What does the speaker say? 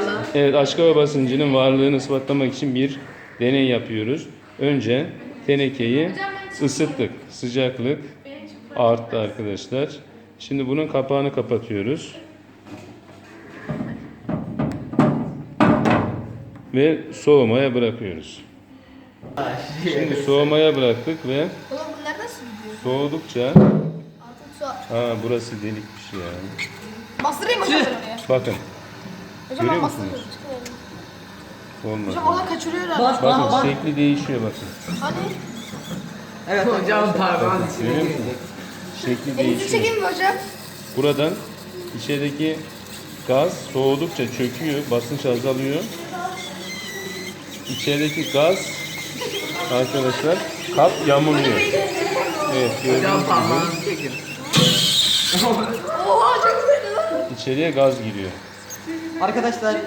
Evet, açık hava basıncının varlığını ispatlamak için bir deney yapıyoruz. Önce tenekeyi ısıttık. Sıcaklık arttı arkadaşlar. Şimdi bunun kapağını kapatıyoruz. Ve soğumaya bırakıyoruz. Şimdi soğumaya bıraktık ve Oğlum bunlar nasıl gidiyor? soğudukça Altın su. burası delikmiş ya. Bastırayım hocam ben oraya. Bakın. Hocam Görüyor ben musunuz? bastırıyorum. Çıkıverin. Olmadı. Hocam oradan kaçırıyor herhalde. Bakın şekli değişiyor bakın. Hani? Evet hocam parmağın içine Görüyor girecek. musunuz? Şekli Elinizi değişiyor. çekeyim mi hocam? Buradan içerideki gaz soğudukça çöküyor, basınç azalıyor. İçerideki gaz arkadaşlar kap yamuluyor. Evet, gördüğünüz Hocam gibi parmağını çekin. Oha çok güzel lan. içeriye gaz giriyor. Arkadaşlar